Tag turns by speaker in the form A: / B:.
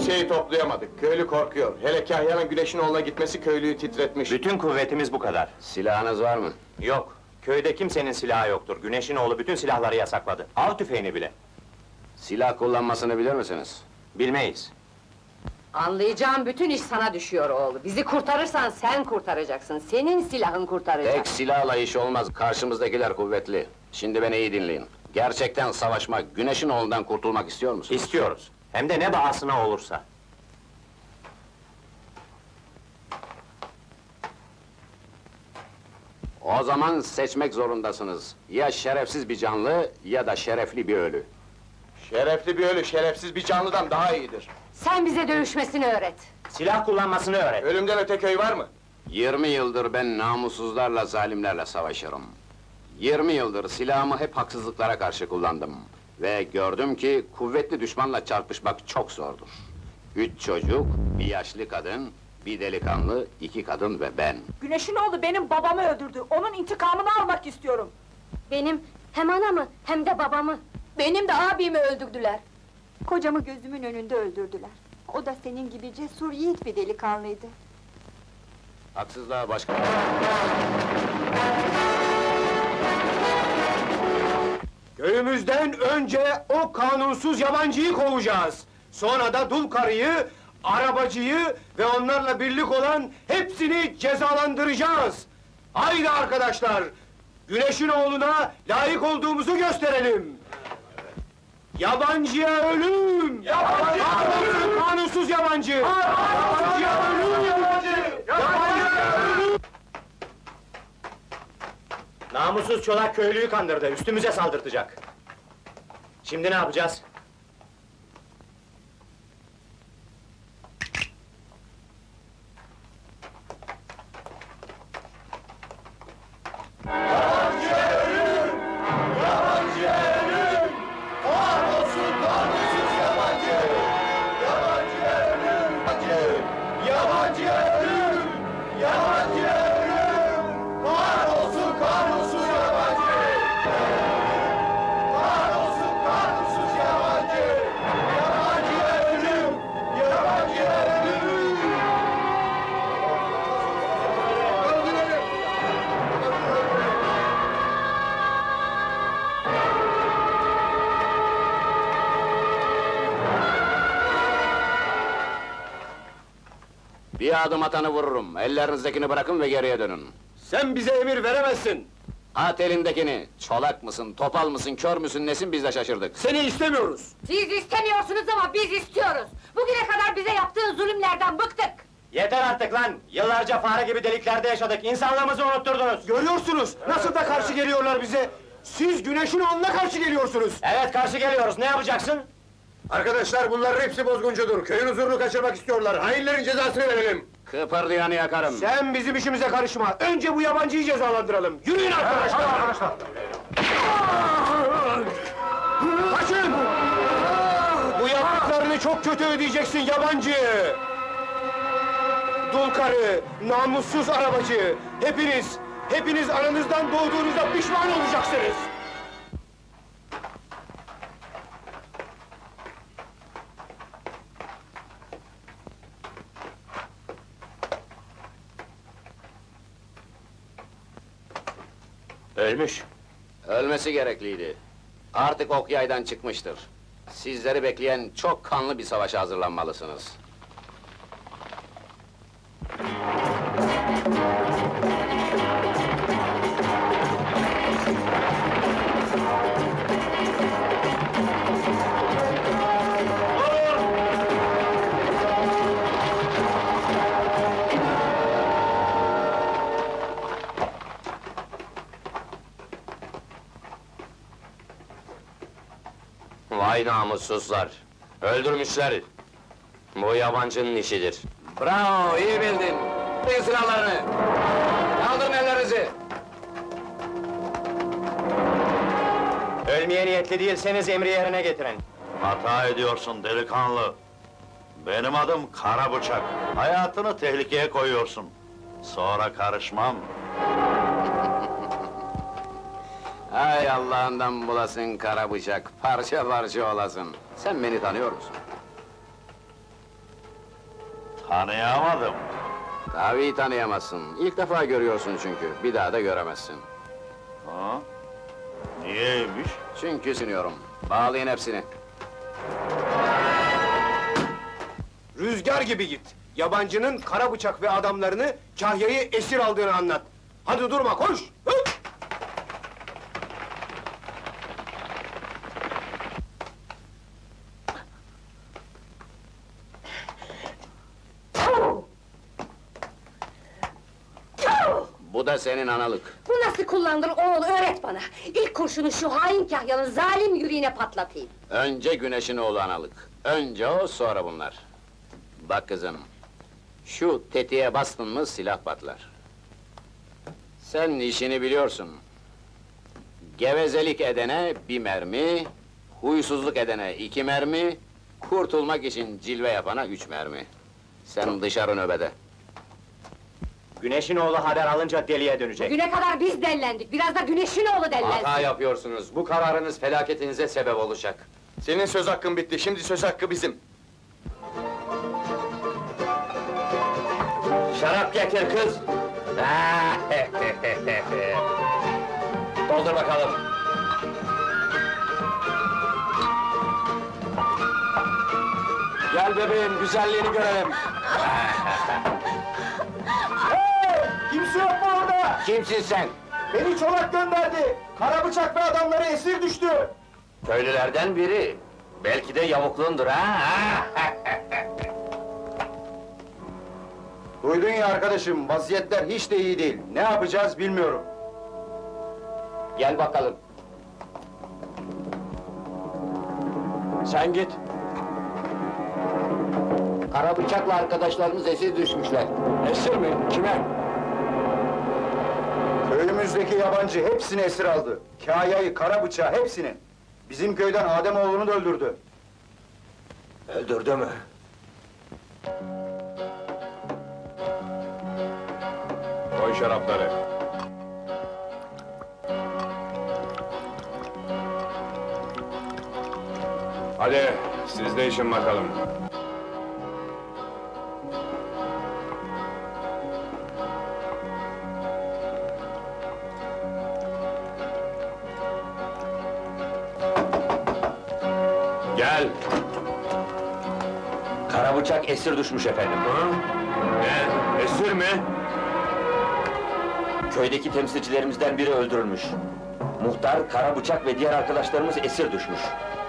A: şeyi toplayamadık. Köylü korkuyor. Hele Kahya'nın Güneş'in oğluna gitmesi köylüyü titretmiş.
B: Bütün kuvvetimiz bu kadar.
C: Silahınız var mı?
B: Yok, köyde kimsenin silahı yoktur. Güneşin oğlu bütün silahları yasakladı. Av tüfeğini bile.
C: Silah kullanmasını bilir misiniz?
B: Bilmeyiz.
D: Anlayacağım bütün iş sana düşüyor oğlu. Bizi kurtarırsan sen kurtaracaksın. Senin silahın kurtaracak.
C: Tek silahla iş olmaz, karşımızdakiler kuvvetli. Şimdi beni iyi dinleyin. Gerçekten savaşmak, Güneş'in oğlundan kurtulmak istiyor musunuz?
B: İstiyoruz. Hem de ne bahasına olursa.
C: O zaman seçmek zorundasınız. Ya şerefsiz bir canlı, ya da şerefli bir ölü.
A: Şerefli bir ölü, şerefsiz bir canlıdan daha iyidir.
D: Sen bize dövüşmesini öğret.
B: Silah kullanmasını öğret.
A: Ölümden öte köy var mı?
C: 20 yıldır ben namussuzlarla, zalimlerle savaşırım. 20 yıldır silahımı hep haksızlıklara karşı kullandım. Ve gördüm ki kuvvetli düşmanla çarpışmak çok zordur. 3 çocuk, bir yaşlı kadın, bir delikanlı, 2 kadın ve ben.
E: Güneşin oğlu benim babamı öldürdü. Onun intikamını almak istiyorum.
D: Benim hem anamı hem de babamı.
F: Benim de abimi öldürdüler.
E: Kocamı gözümün önünde öldürdüler. O da senin gibi cesur yiğit bir delikanlıydı.
C: Haksızlığa başka...
G: Köyümüzden önce o kanunsuz yabancıyı kovacağız. Sonra da dul karıyı, arabacıyı ve onlarla birlik olan hepsini cezalandıracağız. Haydi arkadaşlar, Güneş'in oğluna layık olduğumuzu gösterelim. Yabancıya ölüm! Kanunsuz yabancı! Yabancıya ölüm! Yabancıya ölüm!
B: Namussuz çolak köylüyü kandırdı, üstümüze saldırtacak. Şimdi ne yapacağız?
C: Bir adım atanı vururum, ellerinizdekini bırakın ve geriye dönün.
G: Sen bize emir veremezsin.
C: At elindekini, çolak mısın, topal mısın, kör müsün, nesin biz de şaşırdık.
G: Seni istemiyoruz.
D: Siz istemiyorsunuz ama biz istiyoruz. Bugüne kadar bize yaptığın zulümlerden bıktık.
B: Yeter artık lan! Yıllarca fare gibi deliklerde yaşadık, insanlığımızı unutturdunuz!
G: Görüyorsunuz, nasıl da karşı geliyorlar bize! Siz Güneş'in oğluna karşı geliyorsunuz!
B: Evet, karşı geliyoruz, ne yapacaksın?
G: Arkadaşlar, bunların hepsi bozguncudur, köyün huzurunu kaçırmak istiyorlar, hainlerin cezasını verelim!
C: Kıpırdayanı yakarım.
G: Sen bizim işimize karışma, önce bu yabancıyı cezalandıralım! Yürüyün arkadaşlar! Kaçın! Bu yaptıklarını çok kötü ödeyeceksin yabancı! Dul karı, namussuz arabacı, hepiniz aranızdan doğduğunuzda pişman olacaksınız!
B: Ölmüş.
C: Ölmesi gerekliydi. Artık ok yaydan çıkmıştır. Sizleri bekleyen çok kanlı bir savaşa hazırlanmalısınız.
B: Vay namussuzlar! Öldürmüşler! Bu yabancının işidir.
C: Bravo, iyi bildin! Kaldırın silahlarını! Kaldırın ellerinizi!
B: Ölmeye niyetli değilseniz emri yerine getirin.
H: Hata ediyorsun delikanlı. Benim adım Karabıçak. Hayatını tehlikeye koyuyorsun. Sonra karışmam.
C: Hay Allah'ından bulasın kara bıçak, parça parça olasın. Sen beni tanıyor musun?
H: Tanıyamadım.
C: Tabii tanıyamazsın. İlk defa görüyorsun çünkü. Bir daha da göremezsin.
H: Ha? Niyeymiş?
C: Çünkü siniyorum. Bağlayın hepsini.
G: Rüzgar gibi git. Yabancının kara bıçak ve adamlarını Kahya'yı esir aldığını anlat. Hadi durma, koş! Hı!
C: Bu da senin analık.
D: Bu nasıl kullanılır oğul, öğret bana! İlk kurşunu şu hain kahyanın zalim yüreğine patlatayım!
C: Önce Güneş'in oğlu analık. Önce o, sonra bunlar. Bak kızım, şu tetiğe bastın mı silah patlar. Sen işini biliyorsun. Gevezelik edene bir mermi, huysuzluk edene 2 mermi, kurtulmak için cilve yapana 3 mermi. Sen dışarı nöbede.
B: Güneşin oğlu haber alınca deliye dönecek.
D: Güne kadar biz dellendik, biraz da güneşin oğlu dellensin!
C: Hata yapıyorsunuz. Bu kararınız felaketinize sebep olacak.
A: Senin söz hakkın bitti, şimdi söz hakkı bizim.
B: Şarap getir kız! Doldur bakalım.
C: Gel bebeğim, güzelliğini görelim.
G: Kimse yok mu orada?
C: Kimsin sen?
G: Beni Çolak gönderdi. Kara bıçak ve adamları esir düştü.
C: Köylülerden biri. Belki de yavukluğundur ha?
G: Duydun ya arkadaşım, vaziyetler hiç de iyi değil. Ne yapacağız bilmiyorum.
C: Gel bakalım. Sen git. Kara bıçakla arkadaşlarımız esir düşmüşler. Esir mi? Kime?
G: Köyümüzdeki yabancı hepsini esir aldı. Kahya'yı, kara bıçağı hepsini. Bizim köyden Ademoğlu'nu da öldürdü.
C: Öldürdü mü?
G: Koy şarapları. Hadi, siz de için bakalım. Gel.
B: Kara bıçak esir düşmüş efendim.
G: Ne? Esir mi?
B: Köydeki temsilcilerimizden biri öldürülmüş. Muhtar, kara bıçak ve diğer arkadaşlarımız esir düşmüş.